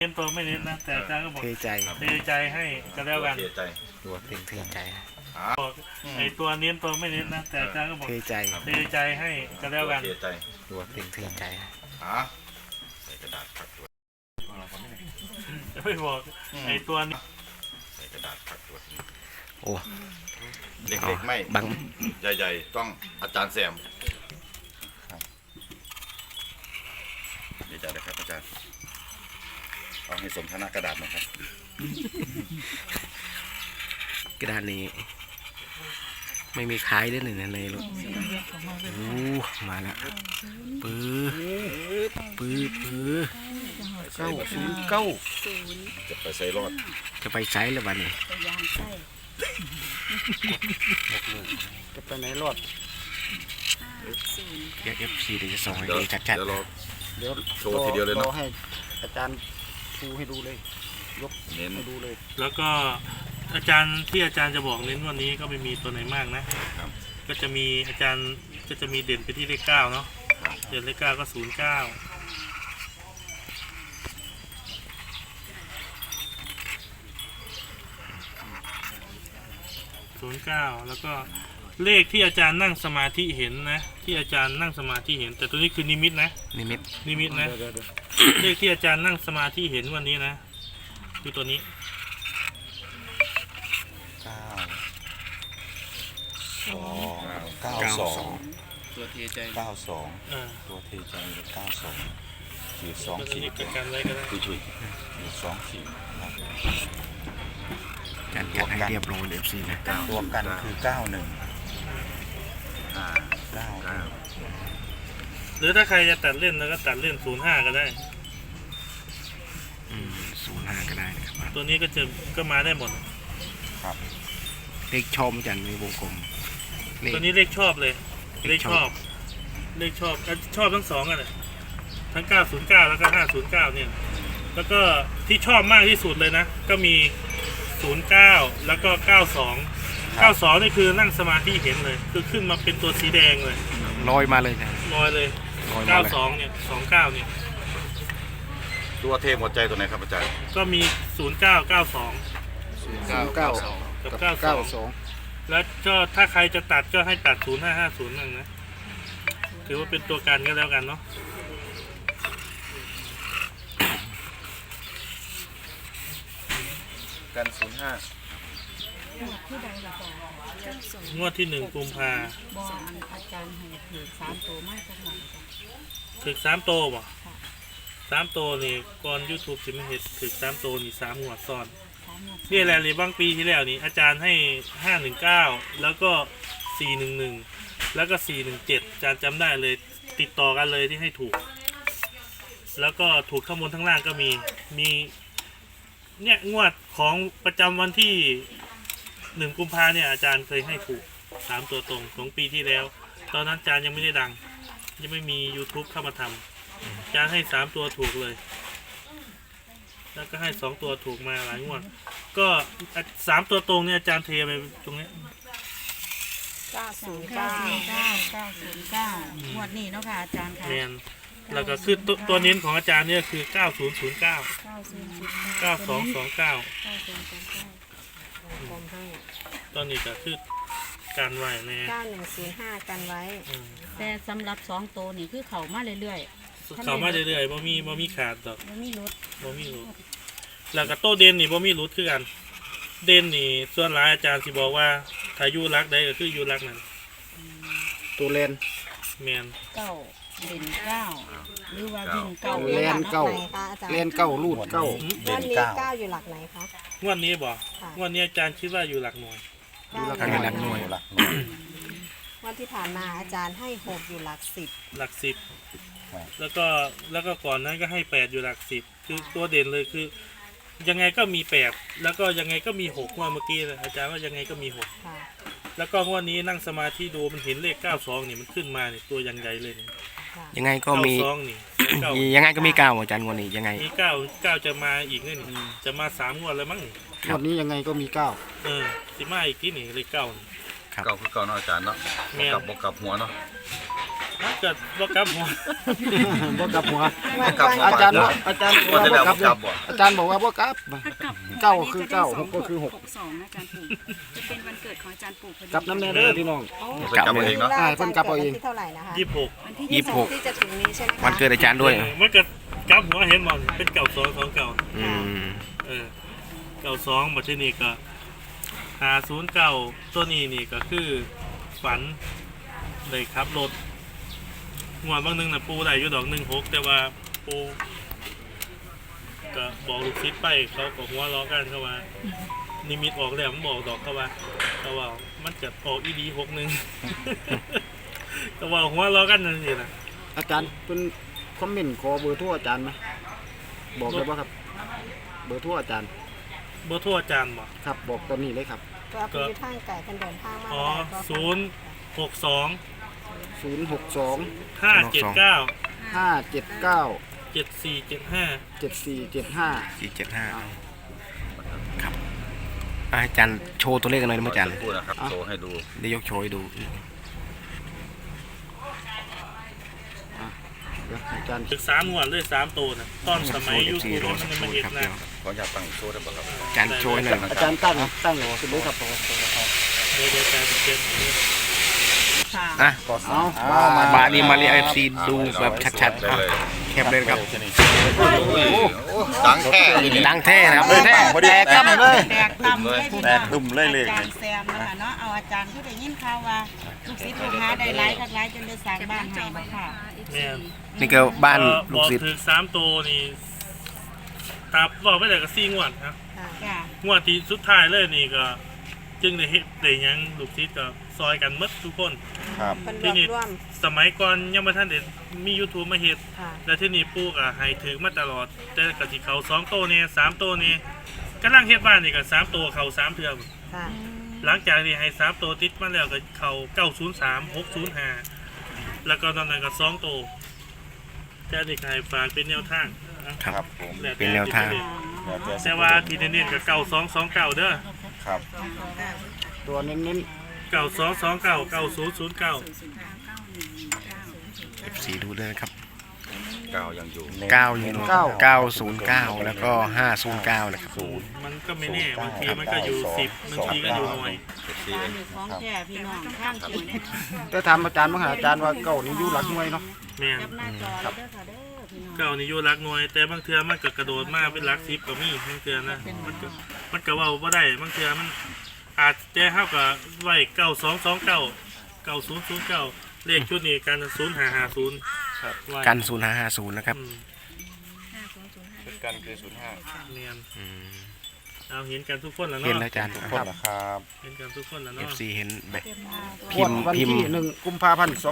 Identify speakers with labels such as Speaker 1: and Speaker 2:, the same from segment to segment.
Speaker 1: เน้นตัวไม่เน้นนะแต่อาจารย์ก็บอก
Speaker 2: เทใจ
Speaker 1: เทใจให้ก็แล้วกัน
Speaker 3: เสียใจ
Speaker 2: ตัวเทใจ
Speaker 1: บอกไอ้ตัวเน้นตัวไม่เน้นนะแต่อาจารย์ก็บอก
Speaker 2: เทใจ
Speaker 1: เทใจให้ก็แล้วกัน
Speaker 3: เสียใจ
Speaker 2: ตัวเทใจ
Speaker 3: ใส่กระดาษพักตัว
Speaker 1: ไม่บอกไอ้ตัวนี้
Speaker 3: ใส่กระดาษพักตัว
Speaker 2: โอ้
Speaker 3: เล็กๆไม่
Speaker 2: บัง
Speaker 3: ใหญ่ๆต้องอาจารย์แซมดีใจเลยครับอาจารย์เอาให้สมฐานะกระดาษหน่อยครับ
Speaker 2: กระดานนี้ ไม่มีขายด้วยหนึ่งในรถโอ้มาแล้วปื้อ909
Speaker 3: จะไปใส่รอด
Speaker 2: จะไปใช้หรือวันนี้
Speaker 4: ยางไส้
Speaker 2: จะไปไหนรอดเดี๋ยว FC เดี๋ยวจะส่งให้
Speaker 3: เดี๋ยว
Speaker 2: ดูชัด
Speaker 3: เดี๋ยวเรา
Speaker 5: เดี๋ยว
Speaker 3: โชว์ทีเดียวเลยเนอะ
Speaker 5: รอให้อาจารย์ชูให้ดูเลย ยก
Speaker 3: เน้น
Speaker 5: ให้ดูเลย
Speaker 1: แล้วก็อาจารย์ที่อาจารย์จะบอกเน้นวันนี้ก็ไม่มีตัวไหนมากนะครับ ก็จะมีอาจารย์ก็จะมีเด่นไปที่เลข9เนาะเด่นเลข9ก็09 แล้วก็เลขที่อาจารย์นั่งสมาธิเห็นนะที่อาจารย์นั่งสมาธิเห็นแต่ตัวนี้คือนิมิตนะ
Speaker 2: ๆนิมิต
Speaker 1: นิมิตนะ
Speaker 5: เดี๋ยว
Speaker 1: เลขที่อาจารย์นั่งสมาธิเห็นวันนี้นะคือตัวนี้
Speaker 2: 92
Speaker 5: ตัวเทใจ
Speaker 1: เออ
Speaker 3: ตัวเทใจ92ขีด
Speaker 1: ตัว
Speaker 3: 2ขี
Speaker 1: นี้
Speaker 3: ด
Speaker 1: เป็นการไว้ก็ได้
Speaker 3: ช่วยขีด2ขีด
Speaker 2: จัดให้เรียบร้อยเลย FC นะ
Speaker 3: ตัวกันคือ91
Speaker 1: หรือถ้าใครจะตัดเล่นแล้วก็ตัดเล่น05ก็ได้
Speaker 2: 05ก็ได้นะครับ
Speaker 1: ตัวนี้ก็มาได้หมด
Speaker 2: เลขชมจันมีวงกลมเลข
Speaker 1: ตัวนี้เลขชอบเลย
Speaker 2: เล
Speaker 1: เล
Speaker 2: ข
Speaker 1: ข
Speaker 2: ช
Speaker 1: ช
Speaker 2: อ
Speaker 1: อบ บเลขชอบชอบทั้งสองกันเลยทั้ง909แล้วก็509เนี่ยแล้วก็ที่ชอบมากที่สุดเลยนะ ก็มี09แล้วก็92นี่คือนั่งสมาธิเห็นเลยคือขึ้นมาเป็นตัวสีแดงเลย
Speaker 2: ลอยมาเลยนะ
Speaker 1: ลอยเลย
Speaker 2: ลอยมาเลย
Speaker 1: 92เนี่ย29เนี่ย
Speaker 3: ตัวเทหมดใจตัวไหนครับอาจารย์
Speaker 1: ก็มี0992
Speaker 5: 9
Speaker 1: กับ
Speaker 5: 92
Speaker 1: 92แล้วก็ถ้าใครจะตัดก็ให้ตัด0550นั่นนะถือว่าเป็นตัวกันก็แล้วกันเนาะ
Speaker 3: กัน05
Speaker 4: ที่ใดล่ะจ๊ะ
Speaker 1: งวดที่1กุมภา
Speaker 4: บอกอาจารย์ให้ถือ3ตัวมากสักหน่อยจ้ะ
Speaker 1: ถึก3โตบ่3โตนี่ก่อน YouTube สิมาเฮ็ดถึก3โตนี่3งวดซ้อน
Speaker 4: 3หมด
Speaker 1: นี่แหละนี่บางปีที่แล้วนี่อาจารย์ให้519แล้วก็411แล้วก็417อาจารย์จำได้เลยติดต่อกันเลยที่ให้ถูก แล้วก็ถูกข้างบนทั้งล่างก็มีเนี่ยงวดของประจำวันที่1กุมภาเนี่ยอาจารย์เคยให้ถูก3ตัวตรงของปีที่แล้ว ตอนนั้นอาจารย์ยังไม่ได้ดังยังไม่มี YouTube เข้ามาทำอาจารย์ให้3ตัวถูกเลย แล้วก็ให้2ตัวถูกมาหลายงวดก็3ตัวตรงเนี่ยอาจารย์เทไปตรงนี้
Speaker 4: 909งวดนี้เนาะค่ะอาจารย์ค่ะ
Speaker 1: แมนแล้วก็คือตัวเน้นของอาจารย์เนี่ยคือ 9009
Speaker 4: 9009
Speaker 1: 9229
Speaker 4: ผมให้
Speaker 1: ตอนนี้ก็คือการไหวแน่
Speaker 4: 9105กันไว้
Speaker 1: อืม
Speaker 4: แต่สำหรับ2ตัวนี่คือเขามาเรื่อย
Speaker 1: เขามาเรื่อยๆบ่มีขาดดอก
Speaker 4: ๆบ่มีรถ
Speaker 1: บ่มีรุดแล้วก็โตเด่นนี่บ่มีรุดคือกัน เด่นนี่ส่วนหลายอาจารย์สิบอกว่าถ้าอยู่รักใดก็คืออยู่รักนั้น
Speaker 5: ตัวเลน
Speaker 1: แมน
Speaker 4: 9เด่น9หรือว่าวิ่ง9
Speaker 5: เลนเก้าเลนเก้ารูดเก้า
Speaker 3: เด่น
Speaker 6: ก้าอยู่หลักไหนคะ
Speaker 1: งวดนี้บ่
Speaker 6: ค่ะ
Speaker 1: งวดนี้อาจารย์คิดว่าอยู่หลักหน่วย
Speaker 2: ทางหลักหน่วย
Speaker 6: วันที่ผ่านมาอาจารย์ให้6อยู่หลัก10
Speaker 1: หลัก10แล้วก็ก่อนนั้นก็ให้8อยู่หลัก10คือตัวเด่นเลยคือ ยังไงก็มี8แล้วก็ยังไงก็มี6งวดเมื่อกี้เลยอาจารย์ว่ายังไงก็มี6
Speaker 6: ค่ะ
Speaker 1: แล้วก็งวดนี้นั่งสมาธิดูมันเห็นเลข92นี่มันขึ้นมานี่ตัวยังใหญ่เลยนี่
Speaker 6: ค่ะ
Speaker 2: ยังไงก็มี
Speaker 1: 92นี่9
Speaker 2: ยังไงก็มี9อาจารย์วันนี้ยังไง
Speaker 1: มี9จะมาอีกนี่จะมา3งวดแล้วมั้งนี่
Speaker 5: งวดนี้ยังไงก็มี
Speaker 1: สิมาอีกที่นี่เลข9นี่
Speaker 3: เก่าคือเก่าเนาะอาจารย์เนาะ
Speaker 1: แม่น
Speaker 3: บวกกับหัวเนาะ
Speaker 1: มันเกิดบ่กลับหัว
Speaker 5: บ่กลับหัว
Speaker 6: วันก่อน
Speaker 5: อาจารย์บอกอาจารย์บอก
Speaker 3: ว่าจะได้
Speaker 5: ว่าบ่กลับ
Speaker 3: บ่
Speaker 5: อาจารย์บอกว่าบ่กลับเก้าคือเก้าหกก็คือหก
Speaker 7: 62นะอาจารย์ปู่จะเป็นวันเกิดของอาจารย์ปู่พอดี
Speaker 5: กลับน้ำแน่เด้อพี่น้อง
Speaker 3: ไปกลับเอาเองเนาะ
Speaker 6: อาจารย์เกิดวันที่เท่าไหร่นะคะ
Speaker 1: 26
Speaker 7: วันที่
Speaker 6: ที่จะถึงนี้ใช่ไหมคะ
Speaker 2: วันเกิดอาจารย์ด้วย
Speaker 1: มันเกิดกลับหัวเห็นบ่เป็นเก่า2 2เก่า
Speaker 2: อืม
Speaker 1: เก่า2บัดทีนี้ก็509ตัวนี้นี่ก็คือฝันได้ขับรถงวดบางนึงน่ะปูได้อยู่ดอก16แต่ว่าปูก็บอกลูกศิษย์ไปเขาก็หัวล้อกันเข้ามานิมิตออกแล้วมันบอกดอกเขาว่ามันจะออกอีดี61 ก็ว่าหัวล้อกันนั่นสินะ
Speaker 5: อาจารย์เป็นคอมเมนต์ขอเบอร์โทรอาจารย์ไหมบอกได้ป่ะครับ เบอร์โทรอาจารย์
Speaker 1: บ่โทรอาจารย์บ่
Speaker 5: ครับบอกตอนนี้เลยครับ
Speaker 6: ตัวผู้ที่ทางไก่กันเดินทางมา
Speaker 1: อ๋อ
Speaker 6: ได้ก็
Speaker 1: 062
Speaker 5: 062
Speaker 1: 579
Speaker 5: 579
Speaker 1: 7475
Speaker 5: 7475
Speaker 2: 475ครับอาจารย์โชว์ตัวเลขกันหน่อยนะอาจารย์
Speaker 3: พูดนะครับโชว์ให้ดู
Speaker 2: ได้ยกโชว์ให้ดู
Speaker 5: เดี๋ยวอาจารย์
Speaker 1: ถึก3งวดเลย3ตัวน่ะตอนสมัย YouTube มันยังไม่เห็นนะ
Speaker 3: ขออยากตั้งโชว์ได้ป่ะครับ
Speaker 2: อาจารย์โชว์ให้หน่อย
Speaker 5: อาจารย์ตั้งขึ้นเลยครับ
Speaker 1: เดี๋ยวการเก็บ
Speaker 7: ค่ะ
Speaker 2: อ่ะ
Speaker 5: เอา
Speaker 2: บาลีมาลีFC ดูแบบชัดๆอ่ะแคปเลยครับ
Speaker 3: ดังแค่นี้
Speaker 2: ดังแท้นะครับแท้
Speaker 5: แตกครับเลย
Speaker 7: แตกต่ำเลยพี่
Speaker 3: แต
Speaker 7: น้อก ง
Speaker 3: ตุ่มเลยเลย
Speaker 7: อาจารย์แซมนะคะเนาะเอาอาจารย์ที่ได้ยินข่าวว่าลูกศิษย์ลูกหาได้หลายคักหลายจนได้สร้างบ้านให้บ่ค่ะ
Speaker 1: แม่น
Speaker 2: นี่ก็บ้าน
Speaker 1: บ
Speaker 2: ลู
Speaker 1: อก ก
Speaker 2: ศิษย์
Speaker 1: ถึก3ตัวนี่ตาบอกไปได้ก็4งวดครับ
Speaker 6: ค่ะ
Speaker 7: ค่ะ
Speaker 1: งวดที่สุดท้ายเลยนี่ก็จึงได้เฮ็ดได้หยังลูกศิษย์ก็ซอยกันหมดทุกคน
Speaker 3: ครับ
Speaker 6: เป็นร
Speaker 1: ที่
Speaker 6: วบ
Speaker 1: นี่
Speaker 6: รวม
Speaker 1: สมัยก่อนยังบ่ทันได้มี YouTube มาเฮ็ด
Speaker 6: ค่ะ
Speaker 1: แล้วที่นี่ปู่ก็ให้ถือมาตลอด แต่ก็สิเข้า2โตวเนี่ย3โตวเนี่ยกำลังเฮ็ดบ้านนี่ก็3ตัวเข้า3เทื่อ
Speaker 6: ค่ะ
Speaker 1: หลังจากที่ให้3ตัวติดมาแล้วก็เข้า903 605แล้วก็ตอนนั้นก็2ตัวแต่นี่ก็ให้ฝากเป็นแนวทาง
Speaker 3: ครับผม
Speaker 1: แล้วต่
Speaker 2: เป็นแนวทาง
Speaker 1: แต่ว่าที่เน้นๆก็9229เด้อ
Speaker 3: ครับ
Speaker 5: ตัวเน้น
Speaker 1: 9229 9009
Speaker 2: FC ดูเลยนะครับ
Speaker 3: กาวยังอยู่
Speaker 2: 9อยู่909 แล้วก็ 509 นะครับ
Speaker 1: มันก็ไม่แน่บางทีมันก็อยู่10บางทีก็อยู่หน่วย
Speaker 7: บ้านอยู่ของแท้พี่น้องข้างเคียงเนี่ย
Speaker 5: ๆแต่ถามอาจารย์มาหาอาจารย์ว่าเก้านี่อยู่หลักหน่วยเนาะ
Speaker 1: แม่น
Speaker 7: จับหน้าจอเลยเด้อค่ะเด้อพี่น้อง
Speaker 1: เก่านี่อยู่รักหน่วย แต่บางเทื่อมันก็กระโดดมาเป็นรัก10ก็มีบางเทื่อนะมันก็เว้าบ่ได้บางเทื่อมันอาจจะเฮาก็ไว้9229 9009เลขชุดนี้กัน0550ครับไว้
Speaker 2: กัน 0550 นะครับ
Speaker 1: อืม
Speaker 3: กันคือ05
Speaker 1: เนียน
Speaker 2: อืม
Speaker 1: เอาเห็นกันทุกคนแล้ว
Speaker 2: เห็น
Speaker 1: เนาะ
Speaker 2: แล้วอาจารย์
Speaker 3: คนนะครับ
Speaker 1: เห็นกันทุกคนแล้วเนาะ
Speaker 2: FC เห็นแบบ
Speaker 5: งวดวันที่1 กุมภาพันธ์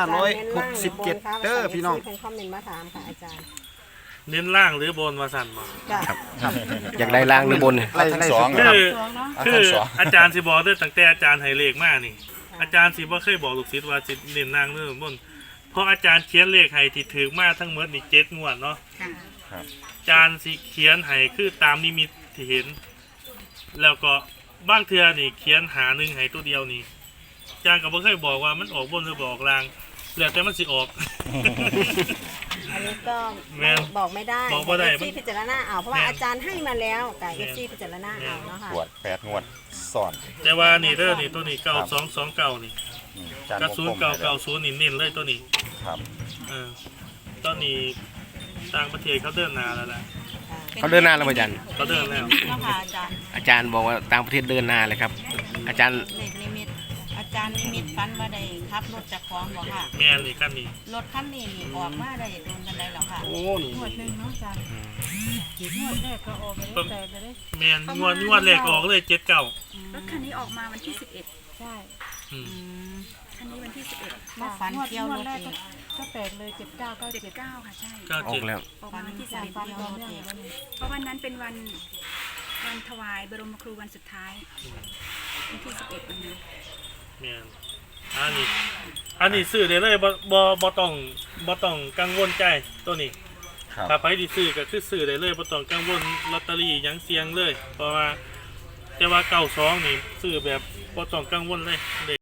Speaker 5: 2567 เด้อพี่น้อง
Speaker 6: เป็นคอมเมนต์มาถามค่ะอาจารย์
Speaker 1: เน้นล่างหรือบนว่าสั่นบ่
Speaker 6: จ้ะ
Speaker 2: อยากได้ล่างหรือบน
Speaker 5: ไล่ทั้งสอง
Speaker 1: คืออาจารย์สิบอกด้วยตั้งแต่อาจารย์ให้เลขมานี่ อาจารย์สิบ่เคยบอกลูกศิษย์ว่าสิเน้นล่างหรือบนเพราะอาจารย์เขียนเลขให้ที่ถือมาทั้งหมดนี่7งวดเนาะ
Speaker 7: ค่ะ
Speaker 1: อาจารย์สิเขียนให้คือตามนิมิตที่เห็น แล้วก็บางเทื่อนี่เขียนหาหนึ่งให้ตัวเดียวนี่อาจารย์ก็บ่เคยบอกว่ามันออกบนหรือบอกล่างแล้วแต่มันสิออก
Speaker 6: อันนี้ก็
Speaker 1: แม่น
Speaker 6: บอกไม่ได้
Speaker 1: บอกบ่ได้
Speaker 6: ซีพิจารณาเอาเพราะว่า
Speaker 1: แม่น
Speaker 6: อาจารย์ให้มาแล้วแต่
Speaker 1: แม่น
Speaker 6: ซีพิจารณาเอาเนาะค่ะ
Speaker 3: ขวด8งวดสอน
Speaker 1: แต่ว่านี่เด้อนี่ตัวนี้9229นี่
Speaker 3: จาน
Speaker 1: กระสุน990นี่เน้นเลยตัวนี้
Speaker 3: ครับ
Speaker 1: ตอนนี้ต่างประเทศเขาเดินหน้าแล้วนะ
Speaker 2: เขาเดินหน้าแล้วอาจารย์
Speaker 1: เขาเดินแล้ว
Speaker 7: เนาะค่ะอาจารย์
Speaker 2: อาจารย์บอกว่าต่างประเทศเดินหน้าเลยครับ อาจารย์
Speaker 7: เลขนิมิตอาจารย์นิมิตฝันว่าได้ขับรถจากของบ่ค่ะ
Speaker 1: แม่นนี่กันนี่
Speaker 7: รถคันนี้นี่ออกมาได้โดนกันได้แล้วค่ะ
Speaker 5: โอ้นี่
Speaker 4: หมวดหนึ่งเนาะอาจารย์หมวดแรกก็ออกไปแล้วแต่จะได้
Speaker 1: แม่นงวดแรกออกเลย79
Speaker 8: รถคันนี้ออกมาวันที่
Speaker 4: ใช่
Speaker 1: อืม
Speaker 8: 11 คันนี้วันที่ 11
Speaker 7: มาฝันเที่ยวรถ
Speaker 4: แรก
Speaker 7: เอง
Speaker 4: ก็แตกเลย79
Speaker 8: 9 ค่ะ ใช่
Speaker 2: ออกแล้ว
Speaker 8: ออกมาวันที่
Speaker 4: จากฟัน
Speaker 8: 11
Speaker 4: ต่อเนื่องแล้วนี่
Speaker 8: เพราะวันนั้นเป็นวันถวายบรมครูวันสุดท้าย วันที่ 11 วันนั้น
Speaker 1: แม่นอันนี้ซื้อได้เลยบ่ต้องกังวลใจตัวนี้
Speaker 3: ครับ
Speaker 1: ถ้าไปที่ซื้อก็คือซื้อได้เลยบ่ต้องกังวลลอตเตอรี่หยังเสี่ยงเลย เพราะว่าแต่ว่า92นี่ซื้อแบบบ่ต้องกังวลเลย